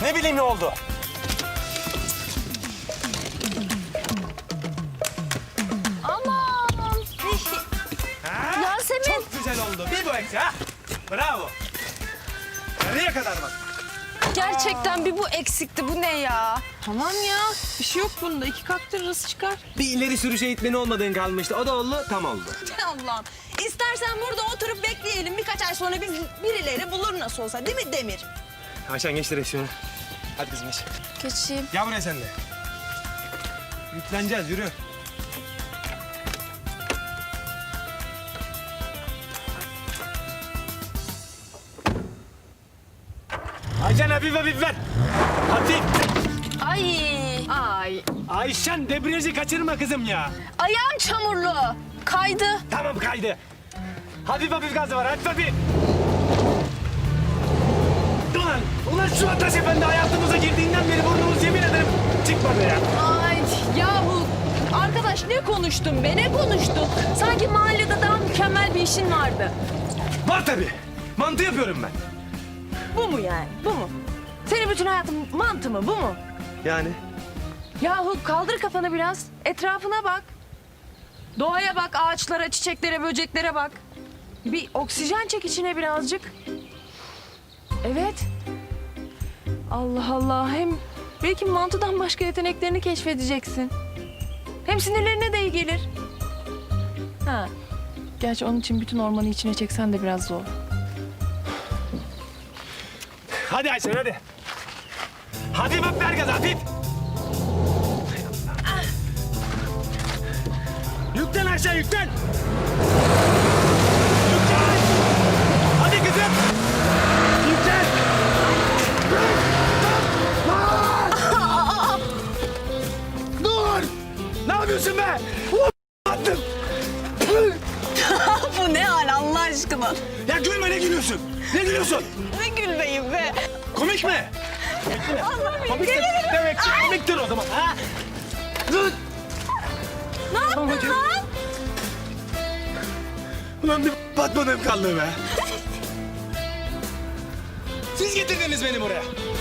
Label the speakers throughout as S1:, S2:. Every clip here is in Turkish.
S1: Ne bileyim ne oldu?
S2: Aman. Yasemin.
S1: Çok güzel oldu. Bir bu eksik ha. Bravo. Nereye kadar bak?
S2: Gerçekten bir bu eksikti. Bu ne ya?
S3: Tamam ya. Bir şey yok bunda. İki kaktırırız çıkar.
S1: Bir ileri sürüş eğitmeni olmadığın kalmıştı. O da oldu, tam oldu.
S3: Allah'ım. İstersen burada oturup bekleyelim. Birkaç ay sonra biz birileri bulur nasıl olsa. Değil mi Demir?
S1: Ayşen geç direksiyonu. Hadi kızım geç.
S2: Geçeyim.
S1: Gel buraya sen de. Yükleneceğiz, yürü. Ayşen hafif hafif ver. Hafif.
S2: Ay.
S1: Ayşen debriyajı kaçırma kızım ya.
S2: Ayağım çamurlu. Kaydı.
S1: Tamam kaydı. Hafif hafif gazı var, hafif hafif. Ulan şu Ataş Efendi hayatımıza girdiğinden beri burnumuz yemin ederim çıkmadı ya.
S3: Ay yahu. Arkadaş ne konuştun be? Ne konuştun? Sanki mahallede daha mükemmel bir işin vardı.
S1: Var tabii. Mantı yapıyorum ben.
S3: Bu mu yani? Bu mu? Senin bütün hayatın mantı mı? Bu mu?
S1: Yani?
S3: Yahu kaldır kafanı biraz. Etrafına bak. Doğaya bak, ağaçlara, çiçeklere, böceklere bak. Bir oksijen çek içine birazcık. Evet. Allah Allah. Hem belki mantıdan başka yeteneklerini keşfedeceksin. Hem sinirlerine de iyi gelir. Ha. Gerçi onun için bütün ormanı içine çeksen de biraz zor.
S1: Hadi Ayşen hadi. Hafif hafif ver gaz hafif. Yüklen Ayşen yüklen. Yüklen. Hadi kızım. Yüklen. Dur. Ne yapıyorsun be? Attım.
S3: Bu ne hal Allah aşkına?
S1: Ya gülme, ne gülüyorsun? Ne gülüyorsun?
S3: Ne gülmeyim be?
S1: Komik mi? Komik demek ki komiktir o zaman. Ha? Dur.
S3: Ne yaptın lan?
S1: Ulan bir batmadığım kaldı be. Siz getirdiniz beni buraya.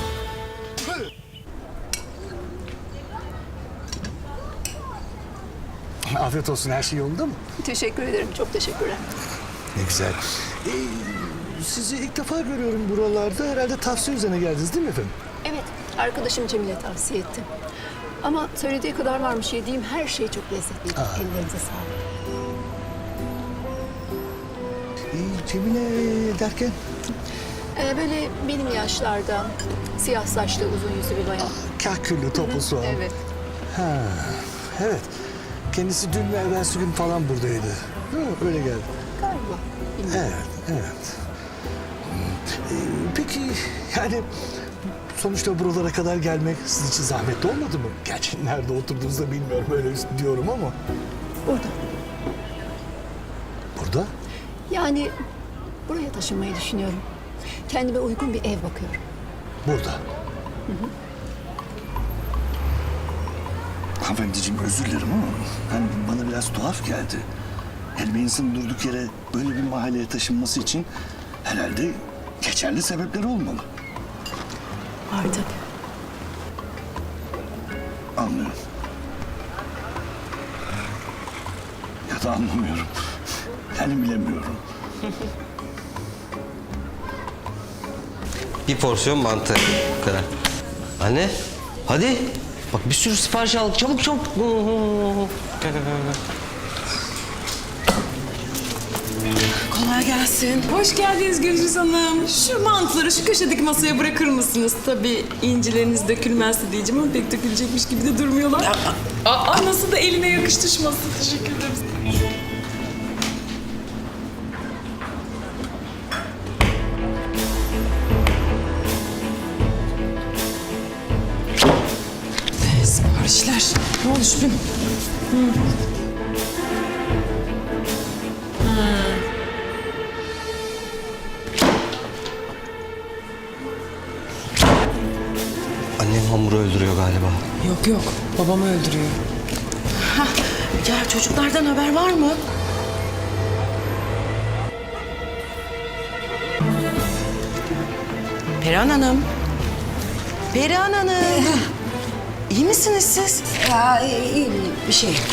S4: Afiyet olsun, her şey yolunda mı?
S5: Teşekkür ederim, çok teşekkürler.
S4: Ne güzel. Sizi ilk defa görüyorum buralarda. Herhalde tavsiye üzerine geldiniz değil mi efendim?
S5: Evet, arkadaşım Cemile tavsiye etti. Ama söylediği kadar varmış, yediğim her şey çok lezzetliydi. Ellerinize sağlık.
S4: Cemile derken?
S5: Böyle benim yaşlarda, siyah saçlı, uzun yüzlü bir bayan.
S4: Kahküllü, toplu soğan.
S5: Evet.
S4: Ha, evet. Kendisi dün ve evvelsi gün falan buradaydı. Değil mi? Öyle geldi.
S5: Galiba. Bilmiyorum.
S4: Evet, evet. Peki yani sonuçta buralara kadar gelmek sizin için zahmetli olmadı mı? Gerçi nerede oturduğunuzu da bilmiyorum, öyle diyorum ama.
S5: Burada.
S4: Burada?
S5: Yani buraya taşınmayı düşünüyorum. Kendime uygun bir ev bakıyorum.
S4: Burada. Hanımefendiciğim özür dilerim ama hani bana biraz tuhaf geldi. Yani bir insanın durduk yere böyle bir mahalleye taşınması için herhalde geçerli sebepleri olmalı.
S5: Var tabii.
S4: Anlıyorum. Ya da anlamıyorum. Yani bilemiyorum.
S6: Bir porsiyon mantı. Bu kadar. Anne, hadi. Bak bir sürü sipariş aldık. Çabuk çabuk. Gel, gel, gel.
S7: Kolay gelsin. Hoş geldiniz Gülcüz Hanım. Şu mantıları şu köşedeki masaya bırakır mısınız? Tabii incileriniz dökülmezse diyeceğim ama pek dökülecekmiş gibi de durmuyorlar. Nasıl da eline yakıştırması. Teşekkür ederiz. Siparişler. Ne oldu Şüphem?
S6: Annem hamuru öldürüyor galiba.
S7: Yok yok. Babamı öldürüyor. Ya çocuklardan haber var mı? Perihan Hanım.
S8: Perihan Hanım. İyi misiniz siz?
S9: Ya iyi bir şey yok.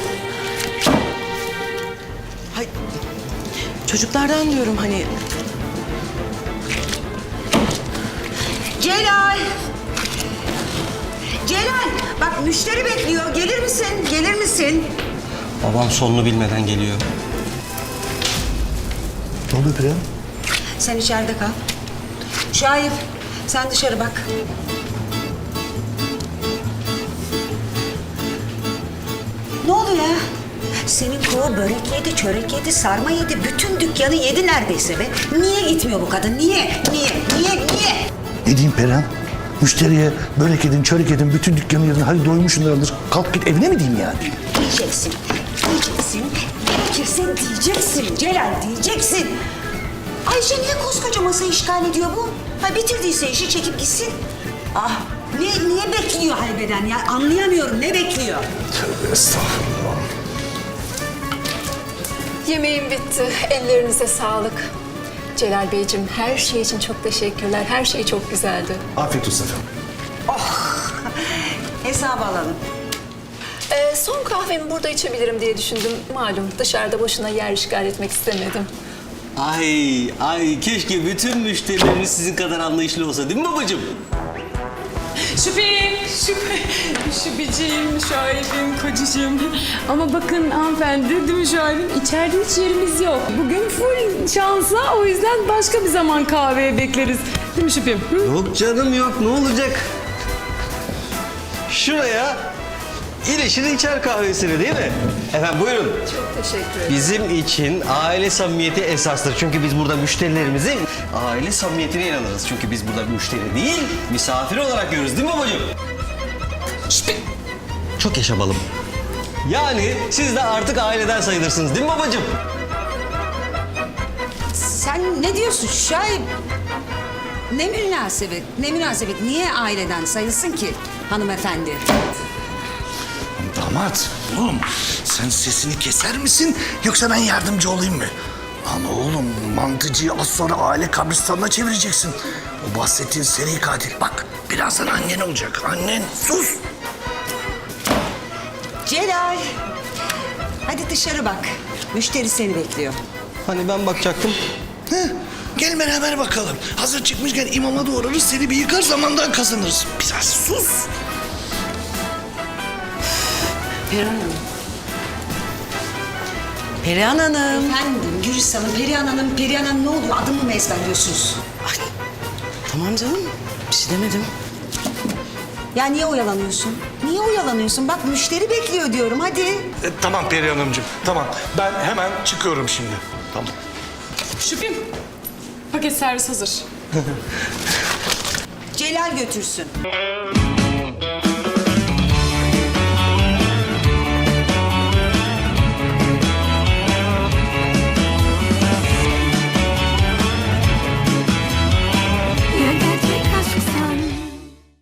S8: Hay, çocuklardan diyorum hani.
S9: Celal! Celal! Bak müşteri bekliyor. Gelir misin? Gelir misin?
S6: Babam sonunu bilmeden geliyor.
S4: Ne oluyor Perihan?
S9: Sen içeride kal. Şahip, sen dışarı bak. Ne oluyor ya? Senin kova börek yedi, çörek yedi, sarma yedi. Bütün dükkanı yedi neredeyse be. Niye gitmiyor bu kadın? Niye?
S4: Ne diyeyim Perihan? Müşteriye börek edin, çörek edin, bütün dükkanı yedin. Hadi doymuşsunlardır. Kalk git evine mi diyeyim yani?
S9: Diyeceksin. Gerekirse diyeceksin. Celal diyeceksin. Ayşe niye koskoca masa işgal ediyor bu? Ha bitirdiyse işi çekip gitsin. Ah niye bekliyor haybeden ya? Anlayamıyorum ne bekliyor?
S4: Tövbe estağfurullah.
S5: Yemeğim bitti. Ellerinize sağlık. Celal Beyciğim her şey için çok teşekkürler. Her şey çok güzeldi.
S4: Afiyet olsun efendim.
S9: Hesabı alalım.
S5: Son kahvemi burada içebilirim diye düşündüm. Malum dışarıda boşuna yer işgal etmek istemedim.
S6: Ay keşke bütün müşterileriniz sizin kadar anlayışlı olsa değil mi babacığım?
S7: Şüpheciğim, şahibim, kocacığım. Ama bakın hanımefendi, değil mi şahibim? İçeride hiç yerimiz yok. Bugün full şansa, o yüzden başka bir zaman kahveye bekleriz. Değil mi Şüphim? Hı?
S6: Yok canım yok, ne olacak? Şuraya İleşir içer kahvesini değil mi? Efendim buyurun.
S5: Çok teşekkür ederim.
S6: Bizim için aile samimiyeti esastır. Çünkü biz burada müşterilerimizin aile samimiyetine inanırız. Çünkü biz burada müşteri değil, misafir olarak görürüz değil mi babacığım? Şşt! Çok yaşa balım. Yani siz de artık aileden sayılırsınız değil mi babacığım?
S9: Sen ne diyorsun Şahip? Ne münasebet? Niye aileden sayılsın ki hanımefendi?
S4: Damat, oğlum sen sesini keser misin yoksa ben yardımcı olayım mı? Lan oğlum mantıcıyı az sonra aile kabristanına çevireceksin. O bahsettiğin seri katil. Bak birazdan annen olacak. Annen sus.
S9: Celal. Hadi dışarı bak. Müşteri seni bekliyor.
S6: Hani ben bakacaktım.
S4: Heh, gel beraber bakalım. Hazır çıkmışken imama doğrarız seni bir yıkar zamandan kazanırız. Biraz sus.
S8: Perihan Hanım.
S9: Efendim Gülistan'ım, Perihan Hanım ne oluyor? Adımı mı ezberliyorsunuz?
S8: Tamam canım. Bir şey demedim.
S9: Ya niye oyalanıyorsun? Bak müşteri bekliyor diyorum hadi.
S4: Tamam Perihan Hanımcığım, tamam. Ben hemen çıkıyorum şimdi. Tamam.
S7: Şüphim, paket servis hazır.
S9: Celal götürsün.